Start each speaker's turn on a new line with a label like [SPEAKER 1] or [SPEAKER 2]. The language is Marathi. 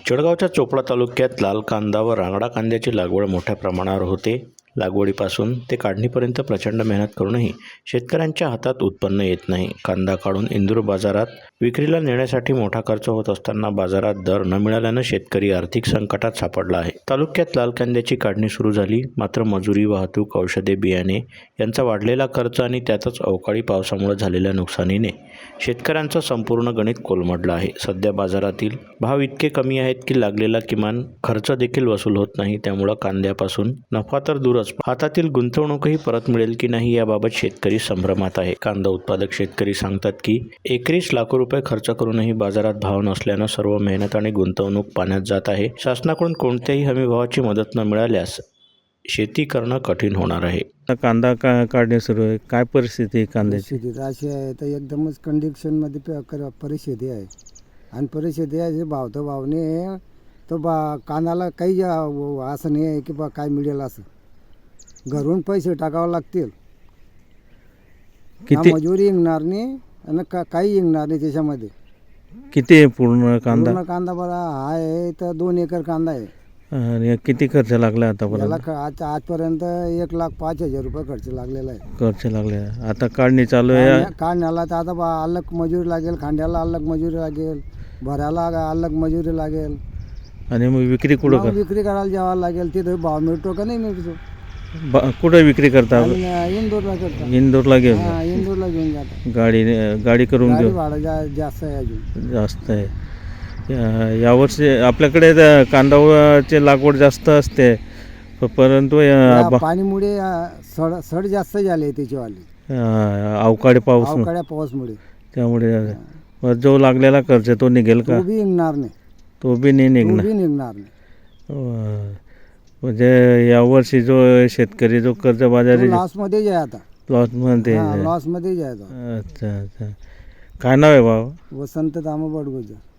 [SPEAKER 1] जळगावच्या चोपडा तालुक्यात लाल कांदा व रांगडा कांद्याची लागवड मोठ्या प्रमाणावर होते. लागवडीपासून ते काढणीपर्यंत प्रचंड मेहनत करूनही शेतकऱ्यांच्या हातात उत्पन्न येत नाही. कांदा काढून इंदूर बाजारात विक्रीला नेण्यासाठी मोठा खर्च होत असताना बाजारात दर न मिळाल्यानं शेतकरी आर्थिक संकटात सापडला आहे. तालुक्यात लाल कांद्याची काढणी सुरू झाली, मात्र मजुरी, वाहतूक, औषधे, बियाणे यांचा वाढलेला खर्च आणि त्यातच अवकाळी पावसामुळे झालेल्या नुकसानीने शेतकऱ्यांचं संपूर्ण गणित कोलमडलं आहे. सध्या बाजारातील भाव इतके कमी आहेत की लागलेला किमान खर्च देखील वसूल होत नाही. त्यामुळे कांद्यापासून नफा तर दूरच, हातातील गुंतवणूकही परत मिळेल की नाही याबाबत शेतकरी संभ्रमात आहे. कांदा उत्पादक शेतकरी सांगतात की एकरी लाखो रुपये खर्च करूनही बाजारात भाव नसल्यानं सर्व मेहनत आणि गुंतवणूक पाण्यात जात आहे. शासनाकडून कोणत्याही हमीभावाची मदत न मिळाल्यास शेती करणं कठीण होणार आहे.
[SPEAKER 2] कांदा काढणे सुरू आहे. काय परिस्थिती आहे कांद्याची?
[SPEAKER 3] परिस्थिती अशी आहे तर एकदमच कंडिशनमध्ये परिस्थिती आहे. आणि परिस्थिती आहे भाव तर भावने तर कांद्याला काही असं नाही आहे की काय मिळेल असं. घरून पैसे टाकावे लागतील,
[SPEAKER 2] किती
[SPEAKER 3] मजुरी येणार नाही आणि काही येणार नाही त्याच्यामध्ये.
[SPEAKER 2] किती आहे पूर्ण कांदा?
[SPEAKER 3] पूर्ण कांदा बरा आहे तर 2 एकर कांदा आहे.
[SPEAKER 2] आणि किती खर्च लागला आतापर्यंत?
[SPEAKER 3] याला आजपर्यंत 1,05,000 रुपये खर्च लागलेला आहे.
[SPEAKER 2] खर्च लागले. आता काढणी चालू आहे.
[SPEAKER 3] काढण्याला तर आता अलग मजुरी लागेल, खांद्याला अलग मजुरी लागेल, भरायला अलग मजुरी लागेल.
[SPEAKER 2] आणि मग विक्री कुठं कर?
[SPEAKER 3] विक्री करायला जावं लागेल. तिथे भाव मिळतो का नाही मिळतो.
[SPEAKER 2] कुठं विक्री करता?
[SPEAKER 3] इंदूरला करतो.
[SPEAKER 2] इंदूरला घेऊन
[SPEAKER 3] इंदूरला घेऊन जातो.
[SPEAKER 2] गाडी करून
[SPEAKER 3] गाडी
[SPEAKER 2] घेऊन
[SPEAKER 3] भाडं जास्त आहे अजून.
[SPEAKER 2] जास्त आहे. यावर्षी आपल्याकडे कांदाची लागवड जास्त असते, परंतु
[SPEAKER 3] पाणीमुळे सड जास्त झाले त्याच्यावाली.
[SPEAKER 2] अवकाळी
[SPEAKER 3] अवकाळ्या पाऊसमुळे
[SPEAKER 2] त्यामुळे जो लागलेला खर्च तो निघेल का?
[SPEAKER 3] तो बी निघणार नाही.
[SPEAKER 2] तो बी नाही निघणार.
[SPEAKER 3] नाही.
[SPEAKER 2] म्हणजे यावर्षी जो शेतकरी जो कर्जबाजारी
[SPEAKER 3] लॉसमध्ये आहे आता.
[SPEAKER 2] लॉसमध्ये
[SPEAKER 3] लॉसमध्ये आहे.
[SPEAKER 2] अच्छा अच्छा. काय नाव आहे बाबा?
[SPEAKER 3] वसंत दामोबड गुजर.